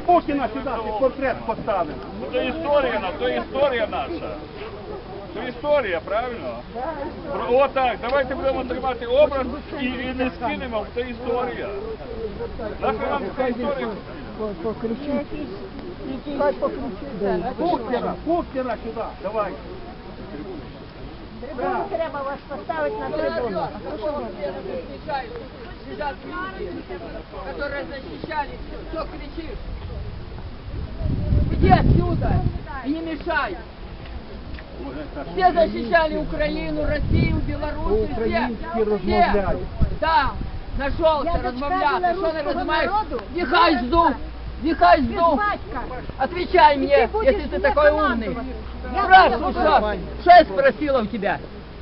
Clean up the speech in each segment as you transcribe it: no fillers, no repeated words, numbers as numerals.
Путіна сюди, під портрет поставив. То історія наша. То історія, правильно? Отак, давайте будемо тримати образ і не скинемо, це історія. Нахай нам ця історія. Путіна сюди, давай. Трибуну треба вас поставити на трибуну. Сидят люди, которые защищали. Что кричишь? Иди отсюда и не мешай. Все защищали Украину, Россию, Белоруссию, все. Да, нашелся размовляться. Что ты размовляешь? Дихай жду. Отвечай мне, если ты такой умный. Спрашивай, что я спросила у тебя?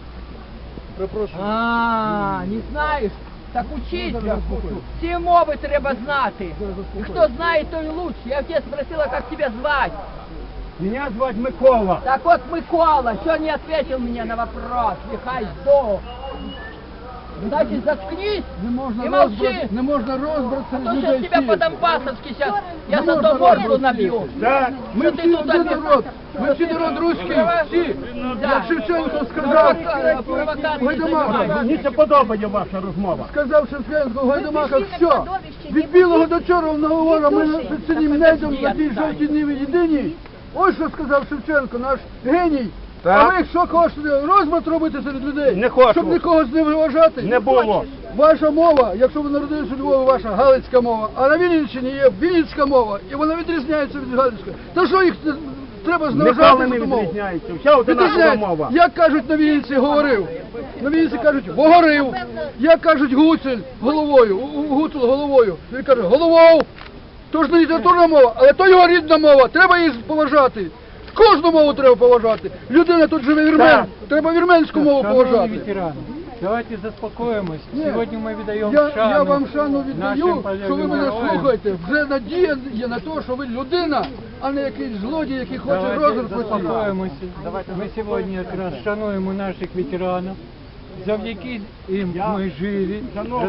Не знаєш? Так учися. Всі мови треба знати. І хто знає, той лучше. Я тебя спросила, как тебя звать. Меня звать Микола. Так вот, Микола, что не ответил мне на вопрос? Нехай здох. Значит, заткнись и молчи. Не можна розбратися А то сейчас тебя по-донбассовски сейчас, я за то морду набью. Да. Ми всі один народ, ми всі народ руський, всі. Як Шевченко сказав, Гайдамака, Мені це подобає ваша розмова. сказав Шевченко в Гайдамаках, все, від білого до чорного говору ми під синім небом на тій жовтій ниві єдині. Ось що сказав Шевченко, наш геній. А ви що хочете, розбрат робити серед людей? Не хочу. Щоб нікого з ними вважати? Не було. Ваша мова, якщо ви народилися у Львові, ваша галицька мова, а на Вінниччині є вінницька мова, і вона відрізняється від галицької. То що їх треба зневажати Ніколи не за ту мову? відрізняється. Вся одинакова Відрізняється. мова. Як кажуть на Вінниці, говорив. На Вінниці кажуть «вогорив». Як кажуть Гуцуль головою, Гуцул головою. Він каже «головов». То ж не літературна мова, але то його рідна мова, треба її поважати. Кожну мову треба поважати. Людина тут живе вірмен, Так. треба вірменську мову поважати. Ветераны, давайте заспокоимся. Ні. Сегодня мы віддаємо Я шану вам шану віддаю, нашим що ви мене полеглим слухаєте. Вже надія є на те, що ви людина, а не якийсь злодій, який хоче Давайте розрухати. заспокоїмося. Ми сьогодні якраз шануємо наших ветеранів. Завдяки їм ми живі.